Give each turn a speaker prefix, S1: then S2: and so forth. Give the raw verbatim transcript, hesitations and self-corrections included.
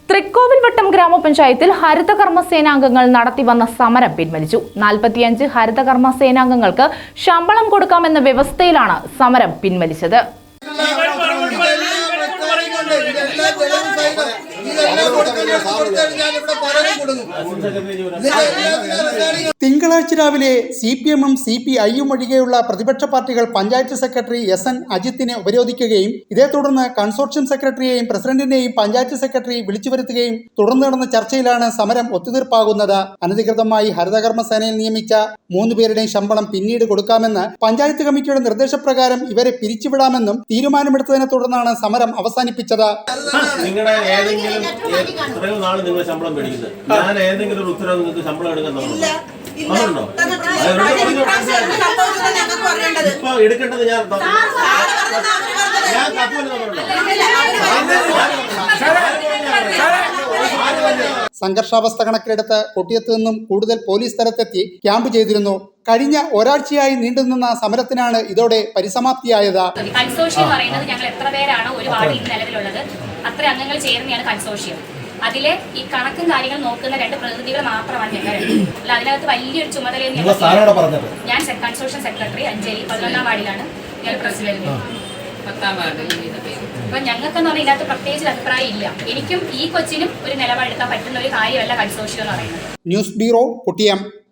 S1: തൃക്കോവിൽവട്ടം ഗ്രാമപഞ്ചായത്തിൽ ഹരിതകർമ്മ സേനാംഗങ്ങൾ നടത്തിവന്ന സമരം പിൻവലിച്ചു. നാൽപ്പത്തിയഞ്ച് ഹരിതകർമ്മ സേനാംഗങ്ങൾക്ക് ശമ്പളം കൊടുക്കാമെന്ന വ്യവസ്ഥയിലാണ് സമരം പിൻവലിച്ചത്.
S2: തിങ്കളാഴ്ച രാവിലെ സി പി എമ്മും സി പി ഐയും ഒഴികെയുള്ള പ്രതിപക്ഷ പാർട്ടികൾ പഞ്ചായത്ത് സെക്രട്ടറി എസ് എൻ അജിത്തിനെ ഉപരോധിക്കുകയും ഇതേ തുടർന്ന് കൺസോർഷ്യം സെക്രട്ടറിയെയും പ്രസിഡന്റിനെയും പഞ്ചായത്ത് സെക്രട്ടറി വിളിച്ചു വരുത്തുകയും തുടർന്ന് നടന്ന ചർച്ചയിലാണ് സമരം ഒത്തുതീർപ്പാകുന്നത്. അനധികൃതമായി ഹരിതകർമ്മ സേനയിൽ നിയമിച്ച മൂന്ന് പേരുടെയും ശമ്പളം പിന്നീട് കൊടുക്കാമെന്ന് പഞ്ചായത്ത് കമ്മിറ്റിയുടെ നിർദ്ദേശപ്രകാരം ഇവരെ പിരിച്ചുവിടാമെന്നും തീരുമാനമെടുത്തതിനെ തുടർന്നാണ് സമരം അവസാനിപ്പിച്ചത്.
S3: നിങ്ങളുടെ ഏതെങ്കിലും എത്രയോ നാൾ നിങ്ങൾ ശമ്പളം മേടിക്കുന്നത്, ഞാൻ ഏതെങ്കിലും ഒരു ഉത്തരവ് നിങ്ങൾക്ക് ശമ്പളം എടുക്കാൻ തന്നുണ്ടോ? ഇപ്പൊ എടുക്കേണ്ടത് ഞാൻ ഞാൻ കപ്പല് തന്നുണ്ടോ?
S2: സംഘർഷാവസ്ഥ കണക്കിലെടുത്ത് കൊട്ടിയത്ത് നിന്നും കൂടുതൽ പോലീസ് സ്ഥലത്തെത്തി ക്യാമ്പ് ചെയ്തിരുന്നു. കഴിഞ്ഞ ഒരാഴ്ചയായി നീണ്ടുനിന്ന സമരത്തിനാണ് ഇതോടെ പരിസമാപ്തിയായത്.
S4: കൺസോർഷ്യം പറയുന്നത് ഞങ്ങൾ എത്ര പേരാണ് ഒരു വാർഡിൽ നിലവിലുള്ളത് അത്ര അംഗങ്ങൾ ചേർന്നെയാണ് കൺസോർഷ്യം. അതിലെ ഈ കണക്കും കാര്യങ്ങളും നോക്കുന്ന രണ്ട് പ്രതിനിധികൾ മാത്രമാണ് ഞങ്ങൾ. അല്ല, അതിനകത്ത് വലിയൊരു ചുമതലയും ഞാൻ കൺസോർഷ്യം സെക്രട്ടറി അഞ്ജലി പതിനൊന്നാം വാർഡിലാണ് ഞാൻ പ്രസിഡന്റ്. അപ്പൊ ഞങ്ങൾക്കെന്ന് പറഞ്ഞാൽ ഇതിനകത്ത് പ്രത്യേകിച്ച് അഭിപ്രായം ഇല്ല. എനിക്കും ഈ കൊച്ചിനും ഒരു നിലപാടെടുക്കാൻ പറ്റുന്ന ഒരു കാര്യമല്ല കൺസോർഷ്യം എന്ന് പറയുന്നത്.
S2: News bureau, Kottiyam.